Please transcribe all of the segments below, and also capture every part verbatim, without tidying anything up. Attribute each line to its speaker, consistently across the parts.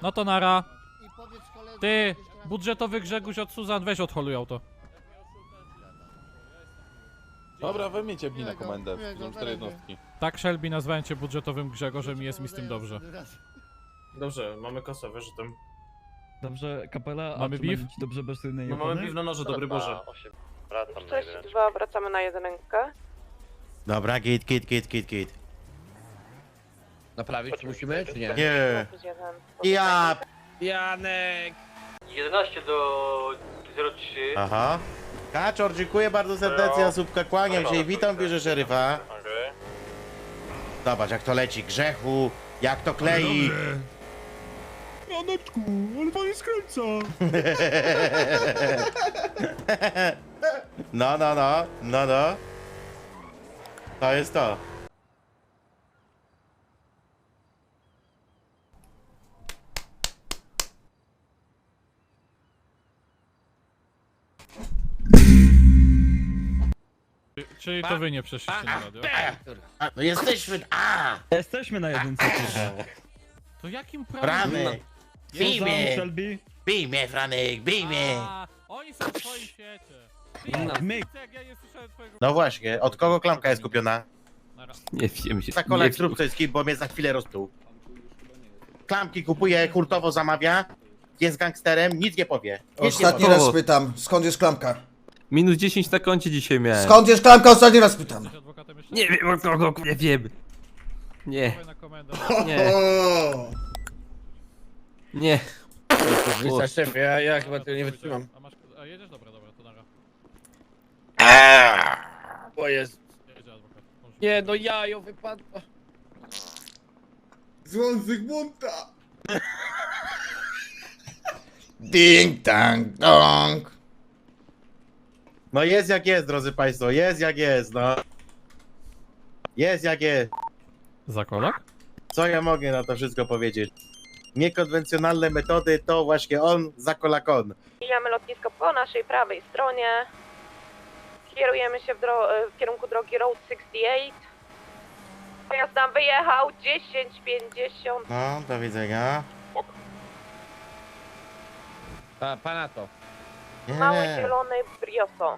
Speaker 1: No to nara. Ty, budżetowy Grzegorz od Suzan, weź odholuj auto.
Speaker 2: Dobra, wy mnie ciepnij na komendę, są cztery jednostki.
Speaker 1: Tak, Shelby, nazwałem cię budżetowym Grzegorzem i jest mi z tym dobrze.
Speaker 3: Dobrze, mamy kosę, wyrzutem.
Speaker 4: Dobrze, kapela,
Speaker 1: Mamy
Speaker 4: a czy
Speaker 1: beef?
Speaker 4: będzie ci dobrze bez tylnej
Speaker 3: No mamy piw na noże, dobry Boże.
Speaker 5: sześć dwa, wracamy na jedynkę.
Speaker 6: Dobra, git, git, git, git, git.
Speaker 7: Naprawić musimy, czy nie?
Speaker 6: Nie.
Speaker 5: Plus jeden.
Speaker 6: Ja.
Speaker 7: Janek!
Speaker 3: jedenaście do zero trzy.
Speaker 6: Aha. Kaczor, dziękuję bardzo serdecznie, Asubka, kłaniam się i witam w biurze szeryfa. Zobacz jak to leci, Grzechu, jak to klei.
Speaker 4: Janeczku, ale pan nie skręca.
Speaker 6: No, no, no, no, no. To jest to.
Speaker 1: Czyli to wy nie przeszliście na radio.
Speaker 6: A, no jesteśmy, a!
Speaker 4: Jesteśmy na jedynce.
Speaker 1: To jakim prawem?
Speaker 6: Franek, bij
Speaker 4: Suzan,
Speaker 6: mnie,
Speaker 4: Shelby.
Speaker 6: bij mnie, Franek, bij mnie.
Speaker 1: A, oni są w swoim świecie.
Speaker 4: No, my.
Speaker 1: Jak ja nie słyszałem twojego...
Speaker 6: No właśnie, od kogo klamka jest kupiona?
Speaker 1: Nara.
Speaker 8: Nie wiem się.
Speaker 6: Za kolek zrób coś z kim, bo mnie za chwilę rozpruł. Klamki kupuje, hurtowo zamawia, jest gangsterem, nic nie powie. Nic nie
Speaker 9: Ostatni
Speaker 6: powie.
Speaker 9: raz pytam, skąd jest klamka?
Speaker 8: Minus dziesięć na koncie dzisiaj miałem.
Speaker 9: Skąd jest klamka? Ostatni raz pytam.
Speaker 1: Jesteś adwokatem jeszcze?
Speaker 8: Nie wiem od kogo, nie wiem. Nie,
Speaker 1: Dawaj na komendę.
Speaker 8: nie, nie.
Speaker 7: Wiesz, szefie, ja, ja chyba tego nie wytrzymam.
Speaker 1: A masz... A jedziesz? Dobra, dobra, to nara.
Speaker 7: O jest.
Speaker 1: Jedzie adwokat. Możesz-
Speaker 7: Nie, no jajo wypadło.
Speaker 9: Dzwon Zygmunta. Ding dang dong.
Speaker 6: No jest jak jest, drodzy państwo, jest jak jest, no. Jest jak jest.
Speaker 1: Zakolak?
Speaker 6: Co ja mogę na to wszystko powiedzieć? Niekonwencjonalne metody to właśnie on, zakolakon.
Speaker 5: Mijamy lotnisko po naszej prawej stronie. Kierujemy się w, dro- w kierunku drogi Road sześćdziesiąt osiem. Pojazd nam wyjechał dziesięć pięćdziesiąt.
Speaker 6: No, do widzenia.
Speaker 7: Pa, pana to.
Speaker 6: Nie,
Speaker 5: Mały
Speaker 6: nie.
Speaker 5: zielony Brioso.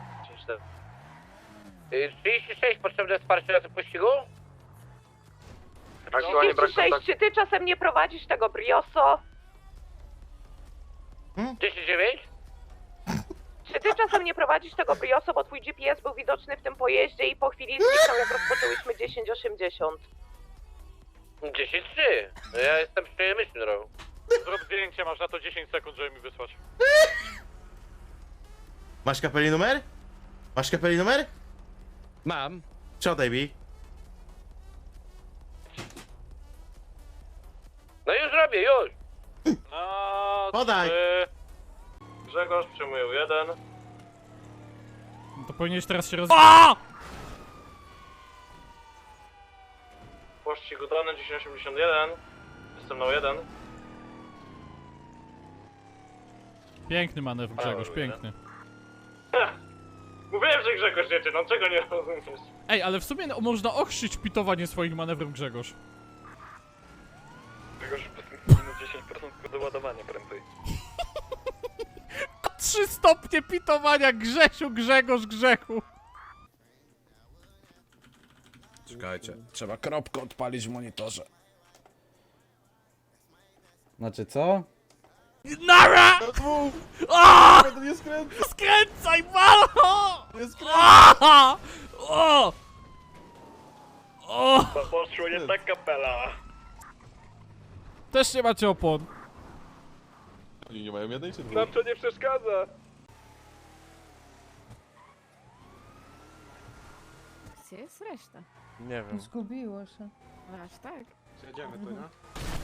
Speaker 7: trzydzieści sześć, potrzebne wsparcie na tym pościgu?
Speaker 5: trzydzieści sześć, czy ty czasem nie prowadzisz tego Brioso?
Speaker 7: trzydzieści dziewięć?
Speaker 5: Czy ty czasem nie prowadzisz tego Brioso, bo twój G P S był widoczny w tym pojeździe i po chwili zniknął, jak rozpoczęłyśmy dziesięć osiemdziesiąt.
Speaker 7: dziesięć trzy. No ja jestem przy myśli drogą.
Speaker 3: Zrób zdjęcie, masz na to dziesięć sekund, żeby mi wysłać.
Speaker 6: Masz kapeli numer? Masz kapeli numer?
Speaker 7: Mam.
Speaker 6: Przodaj mi.
Speaker 7: No już robię, już.
Speaker 3: Na
Speaker 6: Podaj.
Speaker 3: trzy. Grzegorz przyjmuje jeden.
Speaker 1: To powinieneś teraz się roz...
Speaker 3: Pościg udany dziesięć osiemdziesiąt jeden. Jestem na jeden.
Speaker 1: Piękny manewr Grzegorz,
Speaker 3: Paweł,
Speaker 1: piękny.
Speaker 3: Mówiłem, że Grzegorz jedzie, no czego nie rozumiesz?
Speaker 1: Ej, ale w sumie no, można ochrzyć pitowanie swoich manewrów Grzegorz.
Speaker 3: Grzegorz minus dziesięć procent doładowania prędzej.
Speaker 1: Trzy stopnie pitowania Grzesiu, Grzegorz, Grzechu.
Speaker 9: Czekajcie, trzeba kropkę odpalić w monitorze.
Speaker 4: Znaczy co?
Speaker 1: Nara! O!
Speaker 2: Nie skręcę,
Speaker 1: Skręcaj, malo!
Speaker 2: nie skręcę.
Speaker 1: O! O! O!
Speaker 3: Poszło nie tak kapela.
Speaker 1: Też nie macie opon.
Speaker 2: Oni nie mają jednej czy dwóch?
Speaker 3: Nam to nie przeszkadza.
Speaker 10: Gdzie jest reszta?
Speaker 2: Nie wiem.
Speaker 10: Zgubiło się. Aż tak.
Speaker 3: Jedziemy tu, nie?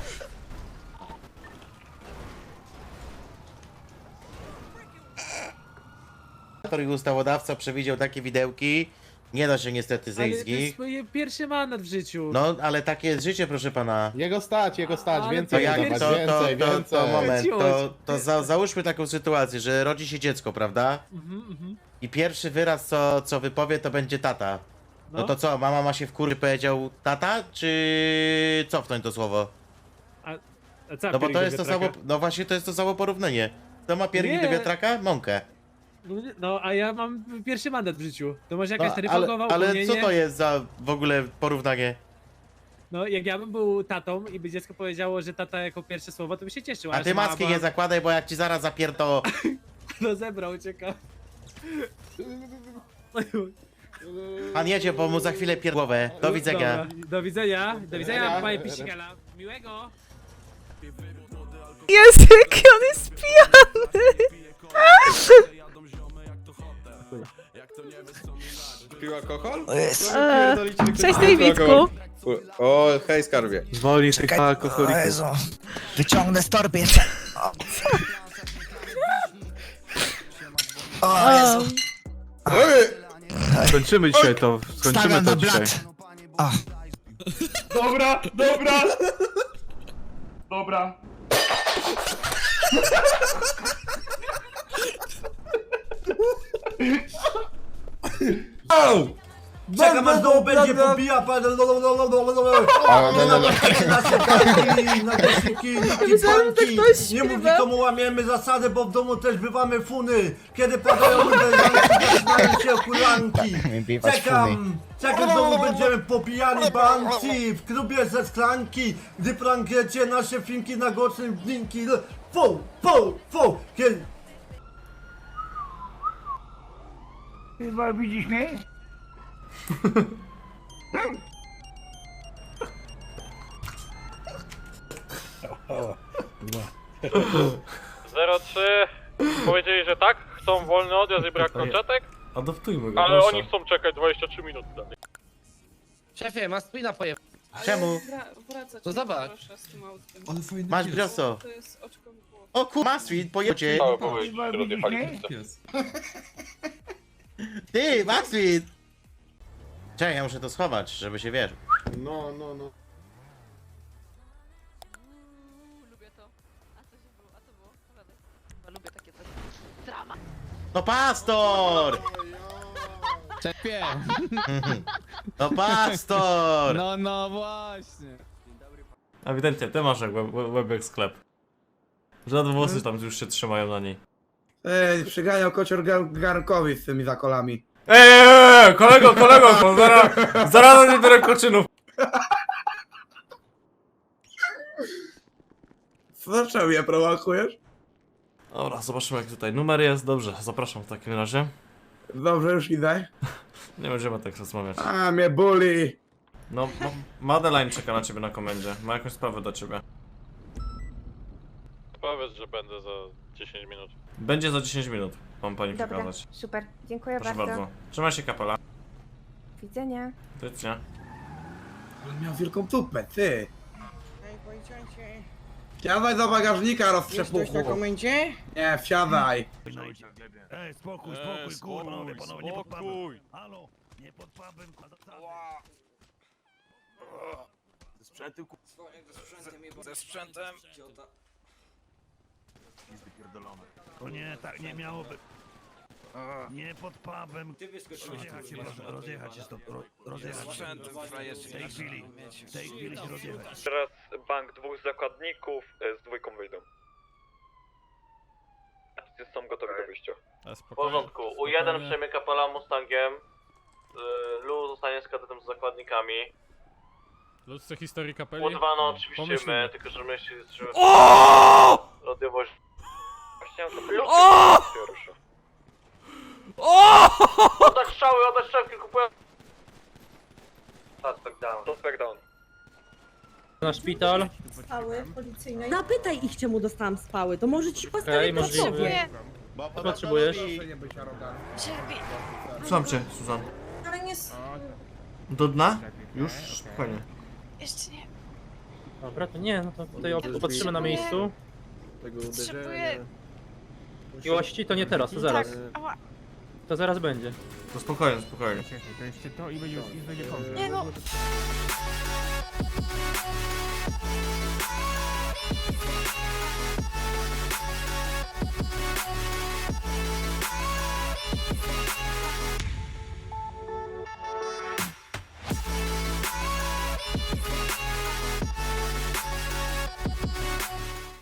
Speaker 6: I ustawodawca przewidział takie widełki. Nie da się niestety zejść z nich.
Speaker 10: moje pierwszy mandat w życiu.
Speaker 6: No, ale takie jest życie, proszę pana.
Speaker 2: Jego stać, jego stać,
Speaker 10: Ale
Speaker 6: To
Speaker 2: więcej
Speaker 6: jak
Speaker 2: dawać,
Speaker 6: to, to,
Speaker 2: więcej,
Speaker 6: to,
Speaker 2: więcej.
Speaker 6: to moment, to,
Speaker 10: Ciuć.
Speaker 6: to za, załóżmy taką sytuację, że rodzi się dziecko, prawda?
Speaker 10: Mhm, mhm.
Speaker 6: I pierwszy wyraz, co, co wypowie, to będzie tata. No.
Speaker 10: No.
Speaker 6: to co, mama ma się wkurzyć, powiedział tata, czy cofnąć to słowo?
Speaker 10: A co,
Speaker 6: No bo
Speaker 10: piernik
Speaker 6: to
Speaker 10: do
Speaker 6: jest to
Speaker 10: wiatraka?
Speaker 6: samo, no właśnie to jest to samo porównanie. Kto ma piernik
Speaker 10: Nie.
Speaker 6: do wiatraka? Mąkę.
Speaker 10: No, nie- No, a ja mam pierwszy mandat w życiu. To może
Speaker 6: No,
Speaker 10: jakaś taryfa
Speaker 6: ale,
Speaker 10: głowa,
Speaker 6: ale
Speaker 10: upomnienie?
Speaker 6: co to jest za w ogóle porównanie?
Speaker 10: No, jak ja bym był tatą i by dziecko powiedziało, że tata jako pierwsze słowo, to by się cieszył.
Speaker 6: A
Speaker 10: że
Speaker 6: ty
Speaker 10: mama-
Speaker 6: maski nie zakładaj, bo jak ci zaraz zapierdo...
Speaker 10: No zebrał, ucieka.
Speaker 6: Pan jedzie, bo mu za chwilę pier... głowę. Do widzenia.
Speaker 10: Dobra, do widzenia. Do widzenia, panie Pisikela. Miłego.
Speaker 5: Jezu, jaki on jest pijany!
Speaker 2: Pił alkohol?
Speaker 5: Cześć, Davidku.
Speaker 2: O, hej skarbie.
Speaker 8: Zwolnij tych alkoholików.
Speaker 11: Wyciągnę z torby jeszcze. O, Jezu.
Speaker 8: Skończymy dzisiaj to, skończymy
Speaker 11: Stawiam
Speaker 8: to
Speaker 11: na
Speaker 8: dzisiaj.
Speaker 11: blat. O.
Speaker 4: Dobra, dobra! Dobra.
Speaker 11: Czekam aż znowu będzie pobija pan. Nasze kartki, na głośniki, niki, panki. Nie mów nikomu, łamiemy zasady, bo w domu też bywamy funy. Kiedy padają uderzanki, zaczynają się okulanki. Czekam, czekam, znowu będziemy popijani banci. W klubie ze szklanki, gdy prankujecie nasze finki na głośnym drinki. Fu, fu, fu. Kiedy... Chyba widzisz mnie?
Speaker 3: zero trzy. Powiedzieli, że tak, chcą wolny odjazd i brak kolczatek,
Speaker 1: Adoptujmy go,
Speaker 3: ale
Speaker 1: proszę.
Speaker 3: oni chcą czekać dwadzieścia trzy minuty dalej.
Speaker 7: Szefie, masz spina poje...
Speaker 6: Czemu?
Speaker 7: To zobacz.
Speaker 6: Masz brioso. O kur... Maswit, pojedzie.
Speaker 3: Cały powiedzieć, że rozjechali.
Speaker 6: Ty, Maswit! Czekaj, ja muszę to schować, żeby się wiesz.
Speaker 2: No, no, no.
Speaker 5: Lubię to. A co się było? A co było? Opowiadaj. Chyba lubię takie coś. Drama.
Speaker 6: No pastor!
Speaker 9: Szefie!
Speaker 6: No pastor!
Speaker 9: No, no właśnie.
Speaker 1: Ewidentnie, ty masz jak web, web jak sklep. Żadne włosy tam już się trzymają na niej.
Speaker 11: Ej, przyganiał kocior garnkowi z tymi zakolami.
Speaker 1: Ej, ej, ej, kolego, kolego, bo zaraz, zaraz nie biorę koczynów.
Speaker 11: Dlaczego mnie prowokujesz?
Speaker 1: Dobra, zobaczymy jak tutaj numer jest. Dobrze, zapraszam w takim razie.
Speaker 11: Dobrze, już idę.
Speaker 1: Nie będziemy tak rozmawiać.
Speaker 11: A, mnie boli.
Speaker 1: No, no, Madeline czeka na ciebie na komendzie. Ma jakąś sprawę do ciebie.
Speaker 3: Powiedz, że będę za dziesięć minut.
Speaker 1: Będzie za dziesięć minut, mam pani przekazać.
Speaker 5: Super. Dziękuję
Speaker 1: Proszę bardzo. Trzymaj się, kapela.
Speaker 5: Widzenia.
Speaker 1: Tycznie.
Speaker 11: On miał wielką tupę, ty. Wsiadaj do bagażnika, roztrzepuchu. na komendzie? Nie, wsiadaj.
Speaker 4: Ej, spokój, spokój, kurwa, panowie, panowie, nie pod pubem. Halo, nie pod pubem, ze sprzętem, ku... Ze sprzętem. Jest wypierdolone. To nie, tak nie miało być. Nie pod pubem. Rozjechać się, proszę, rozjechać się stąd, ro- rozjechać się. W tej chwili, w tej chwili się rozjechać.
Speaker 3: Teraz bank dwóch zakładników z dwójką wyjdą. Są gotowi do wyjścia. W porządku. U jeden przejmie kapela Mustangiem. Lu zostanie z kadetem z zakładnikami.
Speaker 1: Ludzce historii kapeli.
Speaker 3: U dwa no oczywiście
Speaker 1: Pomyślimy.
Speaker 3: my, tylko że my się że...
Speaker 1: O!
Speaker 3: Radiowość... Właśnie to Lu
Speaker 1: O!
Speaker 3: się rusza.
Speaker 1: O!
Speaker 3: Oddać strzały, oddać strzałki, kupuję... Suspect down. Suspect down.
Speaker 10: Na szpital.
Speaker 5: Spały policyjnej.
Speaker 10: Zapytaj ich, czemu dostałam spały. To może ci
Speaker 5: Okej,
Speaker 10: możliwe.
Speaker 6: Bo
Speaker 10: potrzebujesz?
Speaker 1: Słucham cię, Suzan.
Speaker 5: Ale nie...
Speaker 1: Do dna? Już? Spokojnie.
Speaker 5: Jeszcze nie.
Speaker 10: Dobra, to nie, no to tutaj opatrzymy na miejscu.
Speaker 5: Potrzebuję...
Speaker 10: Miłości to nie teraz, to zaraz.
Speaker 5: Ała.
Speaker 10: To zaraz będzie.
Speaker 1: To spokojnie, spokojnie.
Speaker 5: Nie no.